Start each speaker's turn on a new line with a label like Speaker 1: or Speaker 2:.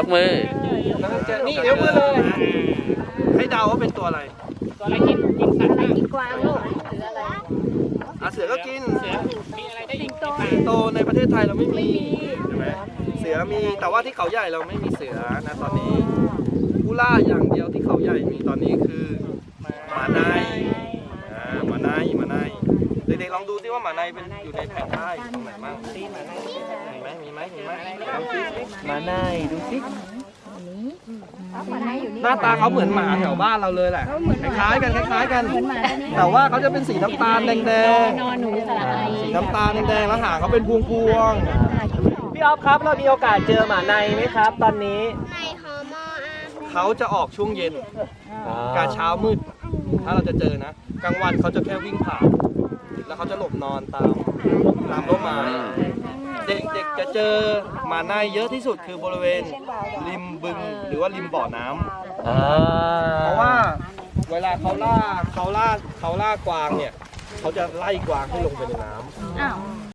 Speaker 1: มือ
Speaker 2: นี่ยกมือเลยให้เดาว่าเป็นตัวอะไร
Speaker 3: ตัวอะไรกินสัตว์บ้าง
Speaker 4: กวางลูก
Speaker 2: เสือก็กิน
Speaker 3: เสือมีอะไรได้อีก
Speaker 2: สิงโตในประเทศไทยเราไม่มีใช่ไหมเสือมีแต่ว่าที่เขาใหญ่เราไม่มีเสือนะตอนนี้ผู้ล่าอย่างเดียวที่เขาใหญ่มีตอนนี้คือหมาในหมาในเด็กๆลองดูซิว่าหมาในเป็นอยู่ในแผนที่ตรงไหนบ้างมีไหมลองซิหมาในดูซิหน้าตาเขาเหมือนหมาแถวบ้านเราเลยแหละคล้ายๆกันแต่ว่าเขาจะเป็นสีน้ำตาลแดง
Speaker 4: นอนหนูสระไอ
Speaker 2: ๆสีน้ำตาลแดงๆแล้วหางเขาเป็นพวง
Speaker 5: พี่ออฟครับเรามีโอกาสเจอหมาในไหมครับ ตอนนี้
Speaker 4: ในฮอร์โมน
Speaker 2: ๆเขาจะออกช่วงเย็นกาเช้ามืดถ้าเราจะเจอนะกลางวันเขาจะแค่วิ่งผ่านแล้วเขาจะหลบนอนตามต้นไม้เด็กๆจะเจอหมาในเยอะที่สุดคือบริเวณริมบึงหรือว่าริมบ่อน้ำเพราะว่าเวลาเขาล่ากวางเนี่ยเขาจะไล่กวางให้ลงไปในน้ำ